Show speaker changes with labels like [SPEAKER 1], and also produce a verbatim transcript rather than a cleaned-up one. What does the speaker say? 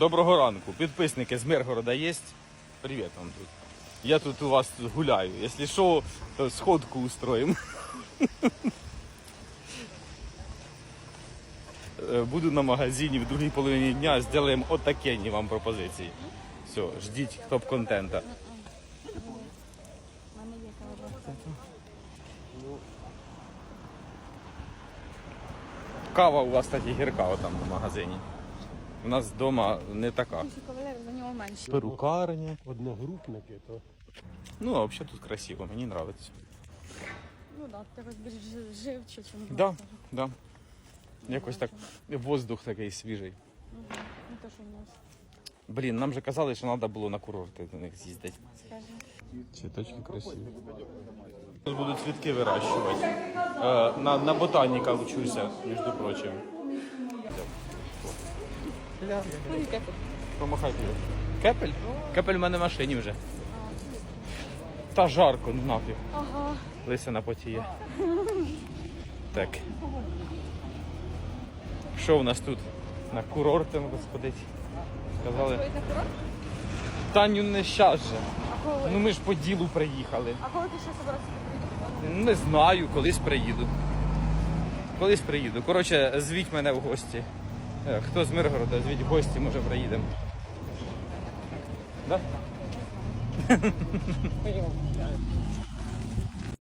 [SPEAKER 1] Доброго ранку. Підписники з Миргорода є? Привіт вам тут. Я тут у вас тут гуляю. Якщо що, то сходку устроїмо. Буду на магазині в другій половині дня, зробимо отакенні вам пропозиції. Все, ждіть топ-контента. Кава у вас таки гірка отам в магазині. У нас вдома не така. Перукарня.
[SPEAKER 2] Одногрупники, то
[SPEAKER 1] Ну, а взагалі тут красиво, мені подобається.
[SPEAKER 3] Ну так, да, якось більш жи- живче, ніж
[SPEAKER 1] Да, да. Якось так, воздух такий свіжий.
[SPEAKER 3] Угу. Не то, що в нас.
[SPEAKER 1] Блін, нам же казали, що треба було на курорти до них з'їздити.
[SPEAKER 3] Скажи.
[SPEAKER 1] Цвіточки красиві. Тут будуть цвітки вирощувати. Е, на, на ботаніка вчуся, між прочим.
[SPEAKER 3] Ну, і кепи.
[SPEAKER 1] Помахайте. Кепель? Кепель в мене в машині вже. Та жарко, ну нафіг.
[SPEAKER 3] Ага.
[SPEAKER 1] Лисина потіє. Так. Що у нас тут? На курорти треба сходити. Сказали.
[SPEAKER 3] Поїдь на курорт?
[SPEAKER 1] Таню не щас же.
[SPEAKER 3] А коли?
[SPEAKER 1] Ну ми ж по ділу приїхали.
[SPEAKER 3] А коли ти ще собирався приїхати?
[SPEAKER 1] Не знаю, колись приїду. Колись приїду. Коротше, звіть мене в гості. Е, Хто з Миргорода, звіть в гості, може приїдемо. Да?